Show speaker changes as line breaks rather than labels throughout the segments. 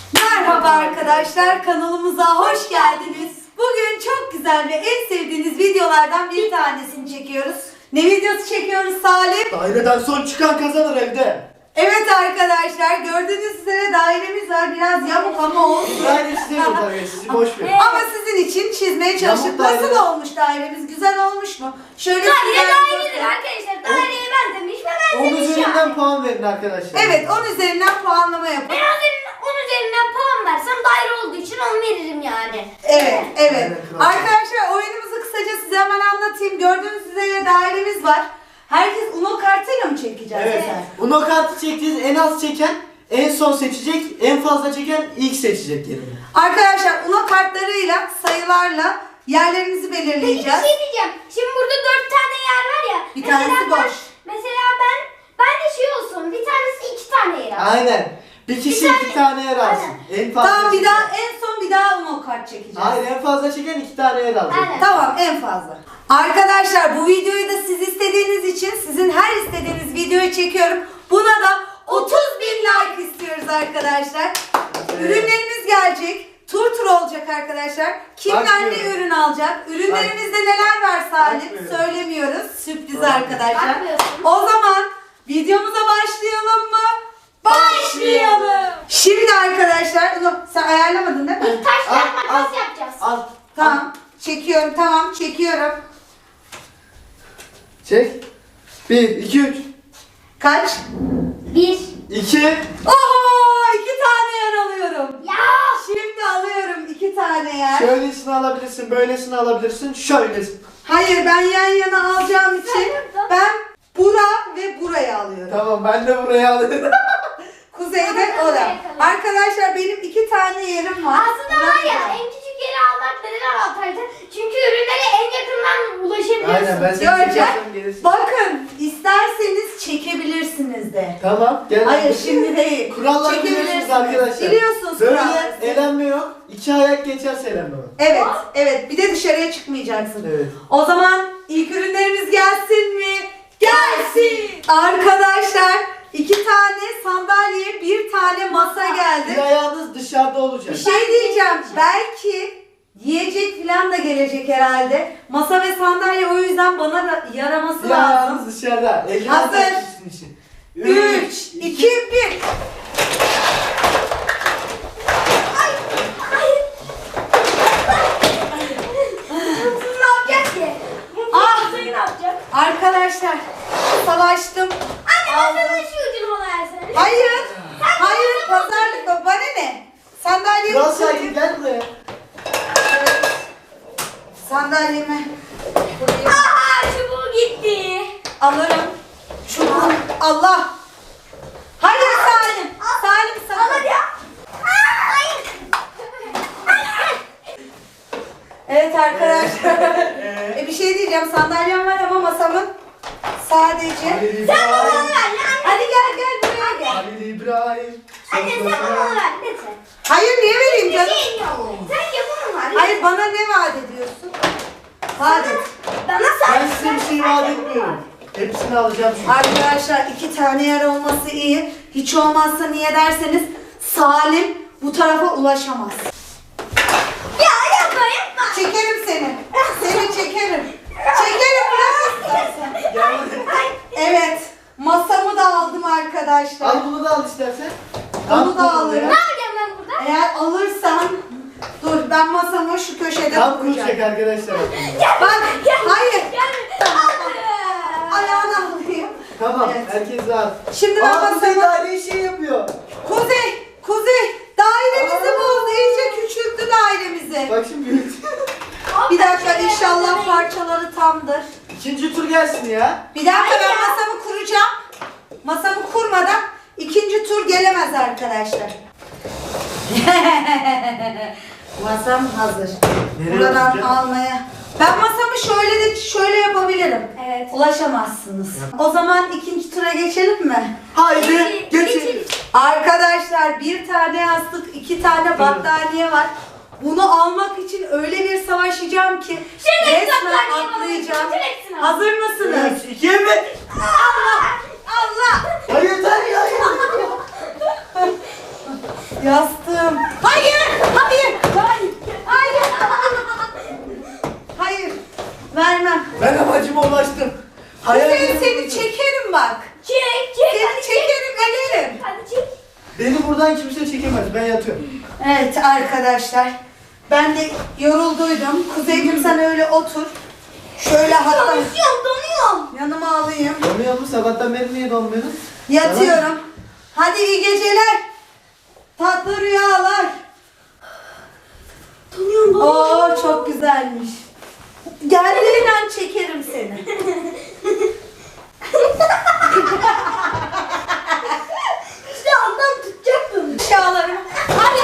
Merhaba arkadaşlar, kanalımıza hoş geldiniz. Bugün çok güzel ve en sevdiğiniz videolardan bir tanesini çekiyoruz. Ne videosu çekiyoruz Salim?
Daireden son çıkan kazanır evde.
Evet arkadaşlar, gördüğünüz üzere dairemiz var. Biraz yamuk ama olsun.
Daire istemiyor tabii, sizi boş ver.
Ama sizin için çizmeye çalıştık.
Yamuk daire.
Nasıl olmuş dairemiz? Güzel olmuş mu? Şöyle
Daire
sizler
dairedir
bakın.
arkadaşlar. Daireye benzemiş ve
10
benzemiş
üzerinden
yani.
puan verin arkadaşlar.
Evet, 10 üzerinden puanlama yapın.
Ben 10 üzerinden puan versem daire olduğu için 10 veririm yani.
Evet, evet.
Aynen, kral.
Arkadaşlar oyunumuzu kısaca size hemen anlatayım. Gördüğünüz üzere dairemiz var. Herkes Uno kartıyla mı çekeceğiz?
Evet.
Eser?
Uno kartı çektiğiniz en az çeken en son seçecek, en fazla çeken ilk seçecek yerini.
Arkadaşlar Uno kartlarıyla, sayılarla yerlerimizi
Peki bir
belirleyeceğiz.
şey diyeceğim. Şimdi burada 4 tane yer var ya.
Bir tanesi boş.
Mesela ben de şey olsun. Bir tanesi 2 tane yer alsın.
Aynen. Bir kişi
Bir tane-
2 tane yer alsın. En fazla
Tamam, bir
çeken.
daha en son bir daha Uno kart çekeceğiz.
Hayır, en fazla çeken 2 tane yer alacak.
Aynen.
Tamam, en fazla. Arkadaşlar bu videoyu da siz istediğiniz için sizin her istediğiniz videoyu çekiyorum. Buna da 30.000 like istiyoruz arkadaşlar.
Evet.
Ürünlerimiz gelecek. Tur olacak arkadaşlar. Kimler ne
Bakmıyorum.
ürün alacak? Ürünlerimizde neler var Salim?
Bakmıyorum.
Söylemiyoruz. Sürpriz
Bakmıyorum.
arkadaşlar.
Bakmıyorsun.
O zaman videomuza başlayalım mı? Başlayalım. Şimdi arkadaşlar, sen ayarlamadın değil mi?
İlk taş
Al,
kağıt makas
al.
yapacağız.
Al.
Tamam. Çekiyorum, tamam çekiyorum.
Çek. 1, 2, 3.
Kaç?
1.
2.
Oho! 2 tane yer alıyorum.
Ya.
Şimdi alıyorum 2 tane yer.
Şöylesini alabilirsin, böylesini alabilirsin, şöylesini.
Hayır, ben yan yana alacağım için
Sen
ben bura ve burayı alıyorum.
Tamam, ben de buraya alayım.
Kuzeyde
Tamam,
ora.
buraya kalalım.
Arkadaşlar benim 2 tane yerim var.
Aslında var ya en küçük yeri almak neden avantajlı? Çünkü ürünlere en yakından ulaşabiliyorsun.
Aynen, ben seni
Göreceğiz.
çekersem gelirsin.
Bakın, isterseniz çekebilirsiniz de.
Tamam, gel.
Hayır, şimdi değil.
Kuralları biliyorsunuz arkadaşlar.
Biliyorsunuz
Böyle
kuralları.
elenme yok. 2 ayak geçerse elenme var.
Evet, evet. Bir de dışarıya çıkmayacaksın.
Evet.
O zaman ilk ürünlerimiz gelsin mi? Gelsin! Arkadaşlar 2 tane sandalye, 1 tane masa
Bir
geldi.
ayağınız dışarıda olacak.
Bir şey diyeceğim. Belki yiyecek falan da gelecek herhalde. Masa ve sandalye o yüzden bana da yaraması
Bir
lazım.
ayağınız dışarıda. Elini
Hazır.
atacaksın için.
3, 2, 1.
Siz ne yapacak ki?
Ah!
Kuzey ne yapacak?
Arkadaşlar savaştım.
Anne masanın şu ucunu bana versene.
Hayır. Hayır, pazarlık mı? Bana ne? Sandalyeyi
Kral
tutayım.
sakin, gel buraya.
Sandalyemi buraya
Aha çubuğu gitti.
alırım. Şunu Allah. Hayır Salim. Salim
Alır
sakın.
ya. Hayır.
Evet arkadaşlar. Bir şey diyeceğim. Sandalyem var ama masamın sadece.
Halil
Sen bana
İbrahim.
ver lan.
Hadi gel buraya gel.
Halil İbrahim.
Anne sen bana ver lütfen.
Hayır niye vereyim
Bir
canım?
şeyin yok. Sen yapamam var.
Hayır bana ne vaat ediyorsun? Vaat et.
Bana
Ben size bir şey vaat etmiyorum. Hepsini alacağım çünkü.
Arkadaşlar 2 tane yer olması iyi. Hiç olmazsa niye derseniz Salim bu tarafa ulaşamaz.
Ya yapma yapma.
Çekerim seni. Seni çekerim. Çekerim bırak istersen.
Gel buraya.
Evet. Masamı da aldım arkadaşlar.
Al bunu da al istersen.
Onu da
Al
alırım.
Ne yapacağım ben burada?
Eğer alırsan dur ben masamı şu köşede
Tam
kuracağım.
kuracak arkadaşlar.
Bak hayır.
Gel.
Ayağını alayım.
Tamam,
Evet.
herkes rahat.
Şimdi ben
Kuzey
masamı...
daire şey yapıyor.
Kuzey dairemizi bozdu. İyice küçülttü dairemizi.
Bak şimdi büyük.
Bir dakika inşallah parçaları tamdır.
İkinci tur gelsin ya.
Bir dakika ben masamı kuracağım. Masamı kurmadan ikinci tur gelemez arkadaşlar. Masam hazır.
Nereye
Buradan
oturacağım?
almaya. Ben masamı şöyle yapabilirim.
Evet.
Ulaşamazsınız. O zaman ikinci tura geçelim mi?
Haydi geçelim.
Arkadaşlar 1 tane yastık, 2 tane battaniye var. Bunu almak için öyle bir savaşacağım ki
Şimdi
resmen
battaniye
atlayacağım.
alacağım. Hepsini al.
Hazır mısınız?
3, 2, 1.
Allah! Allah!
Hayır, hayır, hayır.
Yastığım. Hayır. Hayır. Hayır. Hayır. Hayır. Vermem.
Ben amacıma ulaştım.
Kuzey seni çekerim bak.
Çek.
Seni
Hadi çek.
çekerim ederim.
Hadi çek.
Beni buradan kimse çekemez. Ben yatıyorum.
Evet arkadaşlar. Ben de yorulduydum. Kuzeycim sen öyle otur. Şöyle hatta
Donuyorum.
yanıma alayım.
Donuyor mu? Sabahtan beri niye donmuyorsun?
Yatıyorum. Hadi iyi geceler. Tatlı rüyalar.
Donuyorum.
Oo çok güzelmiş. Geldiğin an çekerim seni.
İşte ondan tutacaktım.
Rüyalarım. Hadi.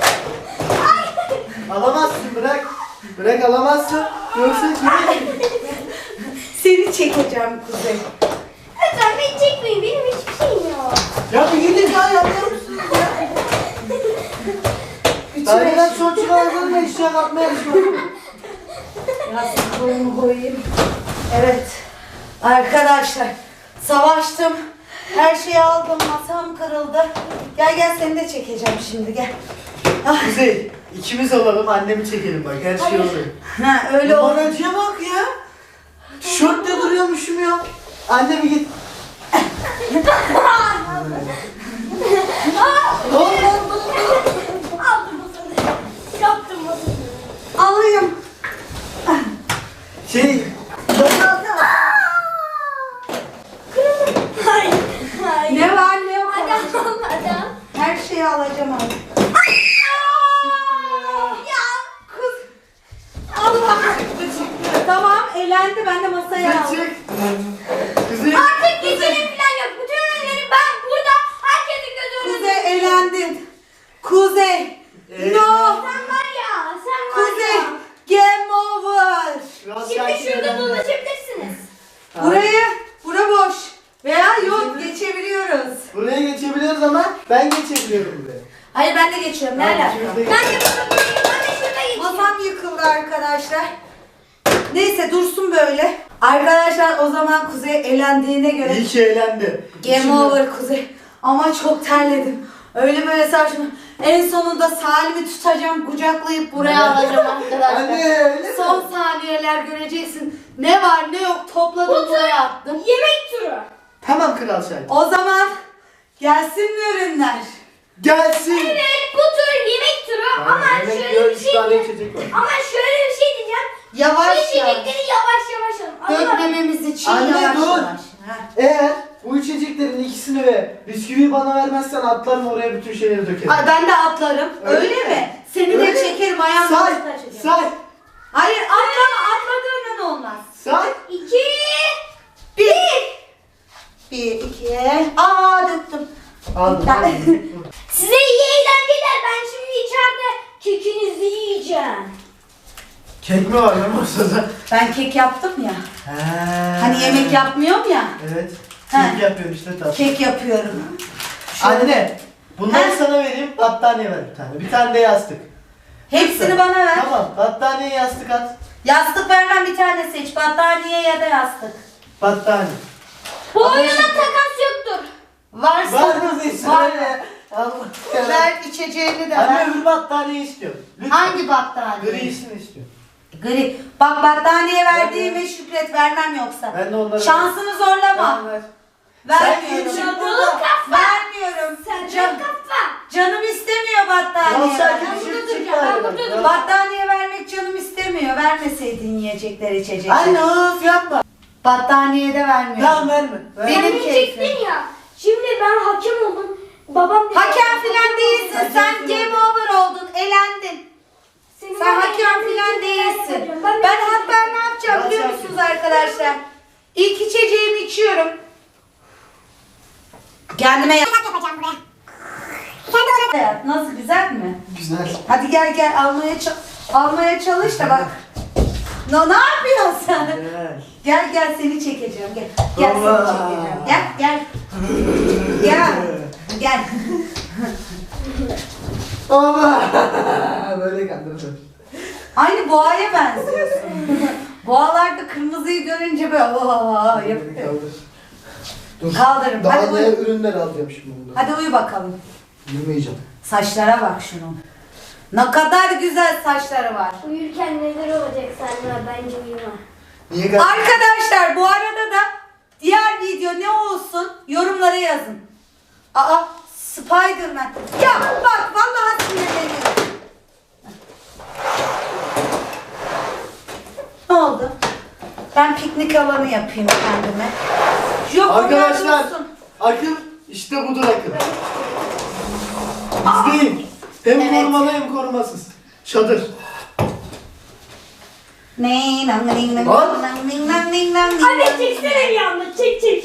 Alamazsın bırak. Bırak alamazsın. Yoksa
Seni çekeceğim Kuzey.
Lütfen beni çekmeyin. Benim hiçbir şeyim yok.
Ya bir gidin ya yapıyor musunuz ya? Daireden son çıkardım da eşya katmaya yarışmadım.
Biraz boyumu koyayım. Evet. Arkadaşlar savaştım. Her şeyi aldım. Masam kırıldı. Gel seni de çekeceğim şimdi gel. Ah.
Kuzey, ikimiz olalım annemi çekelim bak her şey oluyor.
Ha öyle oldu.
Numaracıya bak ya. Tişörtle duruyormuşum ya. Anne bir git.
Aldım masanı. Yaptım masanı.
Alayım.
Şey,
Hayır. Hayır.
Ne var ne yok.
Adam.
Her şeyi alacağım abi.
Ya.
Kız. Allah. Tamam elendi ben de masaya aldım.
çık. Kuzey.
Artık geçelim falan yok. Bütün ürünleri ben burada herkesin gözü önünde.
Kuzey elendin. Kuzey. No.
Sen var ya. Sen var
Kuzey.
ya.
Game over.
Biraz
Şimdi
sakin
şurada
olun.
dolaşabilirsiniz.
Bura boş. Veya yok geçebiliyoruz.
Buraya geçebiliyoruz ama ben geçebiliyorum buraya.
Hayır ben de geçiyorum. Ne
Tamam,
alaka?
ikimiz de
Ben de buradayım. Ben de şurada geçeyim.
Masam yıkıldı arkadaşlar. Neyse dursun böyle. Arkadaşlar o zaman Kuzey elendiğine göre
İyi ki eğlendi.
game
Şimdi-
over Kuzey. Ama çok terledim. Öyle böyle saçma. En sonunda Salim'i tutacağım, kucaklayıp buraya alacağım arkadaşlar.
Anne öyle mi?
Son saniyeler göreceksin. Ne var ne yok topladım buraya attım.
Yemek turu.
Tamam Kral Şahin.
O zaman gelsin mi ürünler?
Gelsin.
Evet bu tur yemek turu ama
Yemek
şöyle
yiyor,
bir
üç
şey
tane
diyeceğim.
içecek var.
Ama şöyle bir şey diyeceğim.
Yavaş
Bu
yavaş.
içecekleri yavaş yavaş alın. Ama
Dökmememiz için
Anne,
yavaş
dur.
yavaş. Heh.
Eğer bu içeceklerin ikisini ve bisküviyi bana vermezsen atlarım oraya bütün şeyleri dökerim.
Ay ben de atlarım.
Öyle
Öyle,
mi?
mi? Seni
Öyle.
de çekerim ayağımla
Say,
başına çekerim.
say,
Hayır atlama atladığın olmaz.
say.
2
Bir. Bir, iki. Aa döktüm.
Aldım.
Size iyi eğlenceler. Ben şimdi içeride kekinizi yiyeceğim.
Kek mi var lan masada?
Ben kek yaptım ya.
He.
Hani yemek yapmıyorum ya.
Evet.
He.
Kek yapıyorum işte tatlı.
Kek yapıyorum. Şöyle.
Anne, bunları
He.
sana vereyim, battaniye ver bir tane. Bir tane de yastık.
Hepsini bana ver.
Tamam, battaniye yastık at.
Yastık vermem bir tane seç. Battaniye ya da yastık.
Battaniye.
Bu
Ama
oyuna
şimdi-
takas yoktur.
Varsa
Var mı bir
Var.
söyle. Allah.
ver içeceğini de
Anne
ver.
öbür battaniye istiyorum. Lütfen.
Hangi battaniye?
Grisini istiyorum.
Gri. Bak battaniye verdiğime şükret vermem yoksa.
Ben de onları...
Şansını zorlama.
Tamam, ver.
Vermiyorum.
Sen
Dolu kafa.
Vermiyorum.
Sen
Can,
kafa.
canım istemiyor battaniye.
Ya sen
vermek.
bir şey
burada
çık
duracağım,
bari
ben burada
bak.
duracağım.
Battaniye vermek canım istemiyor. Vermeseydin yiyecekler içecekler.
Anne of yapma.
Battaniye de vermiyorum.
Tamam verme. Verme.
Benim
Sen
keyfim.
diyecektin ya. Şimdi ben hakem oldum. Babam dedi.
Hakem filan değilsin.
Hakem
Sen
filan
game
değil.
over oldun. Elendin.
Senin
Sen
ben
hakem
eğlendiğin
filan
için
değilsin.
yapacağım.
Ben hatta ne yapacağım biliyor
Hakem.
musunuz arkadaşlar? İlk içeceğimi içiyorum. Kendime
yapacağım buraya.
hayat nasıl güzel mi?
Güzel.
Hadi gel almaya çalış da bak. Ne yapıyorsun sen?
Güzel.
Gel seni çekeceğim gel. Gel seni
Baba.
çekeceğim. Gel. Gel.
Baba. Böyle kandırdım.
Aynı boğaya benziyorsun. Boğalarda kırmızıyı görünce böyle yapıyor.
Dur.
Kaldırın.
Daha
Hadi
ne
uyu.
ürünler alacağım şimdi bundan.
Hadi uyu bakalım.
Yemeyeceğim.
Saçlara bak şunun. Ne kadar güzel saçları var.
Uyurken neler olacak Selma? Bence uyuma.
Niye
Arkadaşlar bu arada da diğer video ne olsun yorumlara yazın. Aa Spiderman. Ya bak vallahi sinirleniyorum. Ne oldu? Ben piknik alanı yapayım kendime. Yok
Arkadaşlar,
olsun.
akıl işte budur akıl. İzleyin. Hem
Evet.
korumalı hem korumasız. Çadır.
Anne çeksene bir anda. Çek.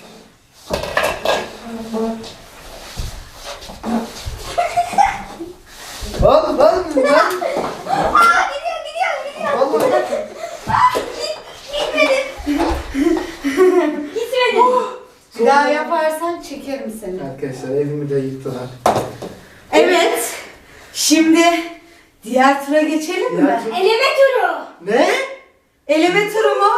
Lan.
Aa gidiyor.
Vallahi.
Gitmedi. Gitmedi.
Bir daha yaparsan çekerim seni.
Arkadaşlar evimi de yıktılar.
Evet. Şimdi diğer tura geçelim mi?
Eleme turu.
Ne?
Eleme turu mu?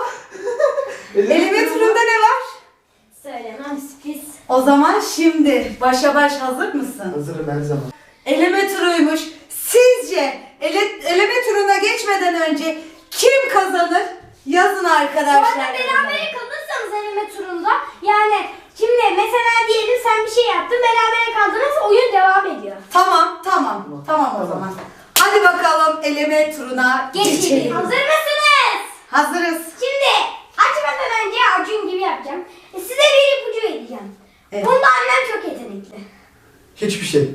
Eleme turunda ne var?
Söylemem sürpriz.
O zaman şimdi başa baş hazır mısın?
Hazırım her zaman.
Eleme turuymuş. Sizce eleme turuna geçmeden önce kim kazanır? Yazın
Bu
arkadaşlar.
arada berabere kalırsanız eleme turunda yani şimdi mesela diyelim sen bir şey yaptın berabere kaldınız oyun devam ediyor.
Tamam o zaman. Hadi bakalım eleme turuna
Geçelim.
geçelim.
Hazır mısınız?
Hazırız.
Şimdi açmadan önce Acun gibi yapacağım. Size bir ipucu vereceğim.
Evet.
Bunda annem çok yetenekli.
Hiçbir şey.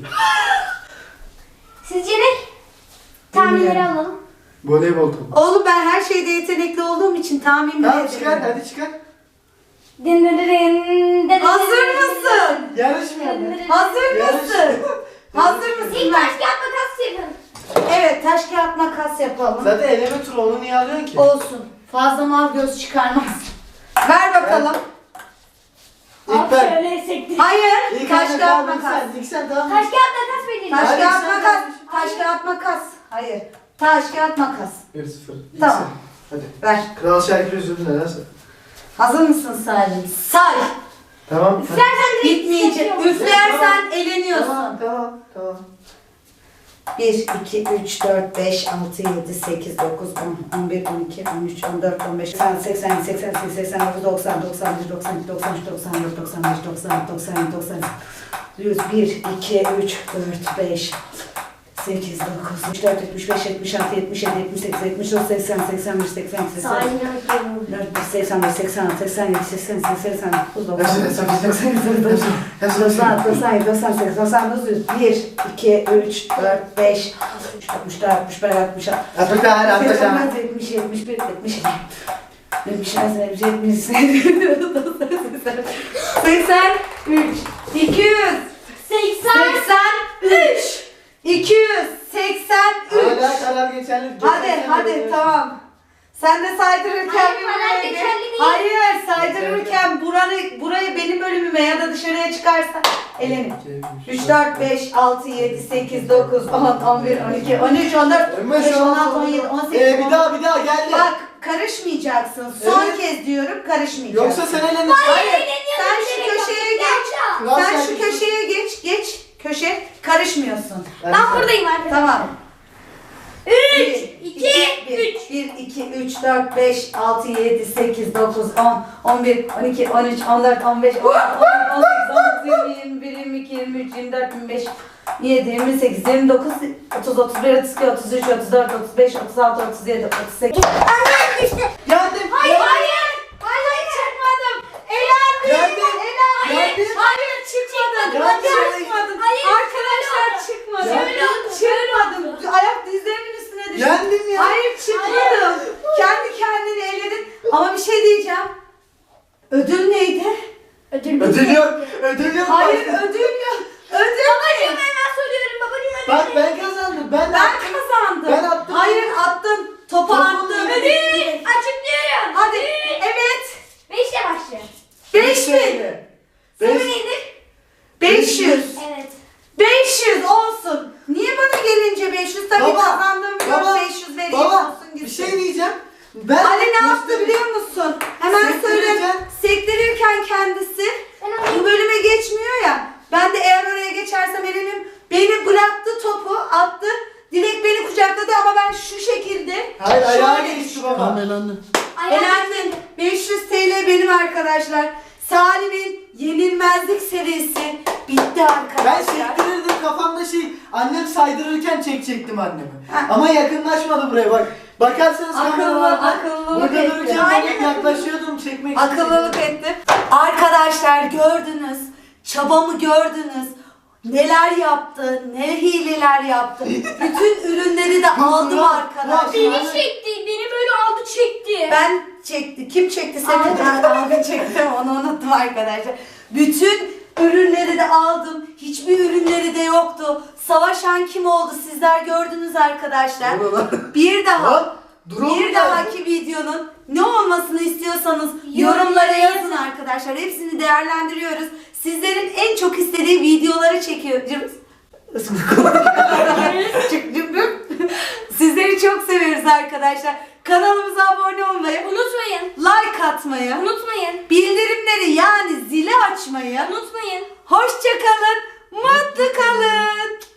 Sizce ne? Tahminleri
Bilmiyorum.
alalım.
Voleybol topu.
Oğlum ben her şeyde yetenekli olduğum için tahmin bile
Tamam çıkar
edemiyorum.
hadi çıkar.
Din din din din din
Hazır
din
mısın?
Yarışmıyor
din
mu?
din.
Hazır mısın? Hazır mısın?
İlk taş kağıt makas yapın.
Evet taş kağıt makas yapalım.
Zaten eleme turu onu niye alıyorsun ki?
Olsun. Fazla mal göz çıkarmaz. Ver bakalım.
İlk ben.
Şöyle sektir.
Hayır.
İlk
Taş
anne,
kağıt
tamam,
makas.
İlk sen tamam.
Taş kağıt makas vereceğim.
Taş
Hadi
kağıt
sen
makas.
kardeşim.
Taş kağıt makas. Hayır. Taş kağıt makas.
1-0. İlk
Tamam.
sen. Hadi.
Ver.
Kral Şakir üzüldü nedense.
Hazır mısın Salim? Say.
Tamam.
Üflersen direkt
Bitmeyecek.
seçiyorum.
Üflersen eleniyorsun.
Tamam.
1, 2, 3, 4, 5, 6, 7, 8, 9, 10, 11, 12, 13, 14, 15, 80, 80, 88, 89, 90, 91, 92, 93, 94, 95, 96, 97, 98, 100, 1, 2, 3, 4, 5, 8, 9, 74, 75, 76, 77, 78, 79, 80, 81, 82, 80,
Salim yapıyorum.
85, 86, 87, 88, 89, 90,
Hepsini,
91, 92, 96, 97, 98, 99, 100, 2, 3, 4, 5, 60, 64, 65, 66,
Atacağım, atacağım.
70, 71, 72, 73, 83, 200, 83, 283.
Hala karar geçerli.
Hadi tamam. Sen de saydırırken
Hayır,
bir
karar
buraya
geçerli
gel.
değil.
Hayır saydırırken burayı benim bölümüme ya da dışarıya çıkarsa elenin. 3, 4, 5, 6, 7, 8, 9, 10, 11, 12, 13, 14, 15, 16, 17, 18,
Bir daha geldi.
Bak karışmayacaksın. Son
Evet.
kez diyorum karışmayacaksın.
Yoksa sen elenirsin.
Hayır. Sen şu köşeye geç.
Kral
Sen
Şakir.
şu köşeye geç. Köşe karışmıyorsun.
Ben buradayım arkadaşlar.
Tamam.
3, 2, 3.
1, 2, 3, 4, 5, 6, 7, 8, 9, 10, 11, 12, 13, 14, 15, 16, 17, 18, 19, 20, 21, 22, 23, 24, 25, 27, 28, 29, 30, 31, 32, 33, 34, 35, 36, 37, 38.
Annem düştü.
Geldim.
Hayır.
Hayır çıkmadım. Elendim.
Geldim.
Elendim. Hayır çıkmadım.
Geldim.
Hayır.
Arkadaşlar çıkmadım.
Geldim.
Çıkmadım. Ayak dizlerimin üstüne düştüm.
Yendim ya.
Hayır çıkmadım. Kendi kendini eledin. Ama bir şey diyeceğim. Ödül neydi?
Ödül
Ödül yok.
Hayır
Bak.
ödül yok. Ödül
Babacığım
ne?
hemen soruyorum babacığım ödül.
Bak ben kazandım. Ben
Ben kazandım.
Ben attım.
Hayır attın. Topu attın.
Ödül açıklıyorum.
Hadi. Evet.
5'le başlıyor.
5000.
Soru
Beş.
nedir?
500.
Evet.
500 olsun. Niye bana gelince 500? Tabii
Baba,
kazandığım biliyorum
baba,
500 vereyim
Baba
olsun
bir
gitsin.
şey diyeceğim. Ben
Ali ne yaptı biliyor musun? Hemen söyle.
Sektirirken-
Sektirirken kendisi
Ben alayım.
bu bölüme geçmiyor ya. Ben de eğer oraya geçersem elenirim. Beni Bülent
Hayır ayağa
Şöyle
geçti
şu.
baba.
Tamam elendi.
Elendim. 500 TL benim arkadaşlar. Salim'in yenilmezlik serisi bitti
Ben
arkadaşlar.
sektirirdim kafamda annem saydırırken çekecektim annemi.
Ha.
Ama yakınlaşmadı buraya bak. Bakarsanız kameralarda
akıllılık
burada
etti.
dururken
Aynen.
ben yaklaşıyordum çekmek için.
Akıllılık ettim. Arkadaşlar gördünüz. Çabamı gördünüz. Neler yaptı, ne hileler yaptı. Bütün ürünleri de aldım arkadaşlar.
Beni çekti. Beni böyle aldı çekti.
Ben çekti. Kim çekti seni? Ben abi çektim. Onu unuttum arkadaşlar. Bütün ürünleri de aldım. Hiçbir ürünleri de yoktu. Savaşan kim oldu? Sizler gördünüz arkadaşlar. Bir daha.
Lan, drone
Bir
geldi.
dahaki videonun ne olmasını istiyorsanız yorumlara yazın arkadaşlar. Hepsini değerlendiriyoruz. Sizlerin en çok istediği videoları çekiyoruz. Sizleri çok seviyoruz arkadaşlar. Kanalımıza abone olmayı,
Unutmayın.
like atmayı,
Unutmayın.
bildirimleri yani zili açmayı,
Unutmayın.
hoşça kalın, mutlu kalın.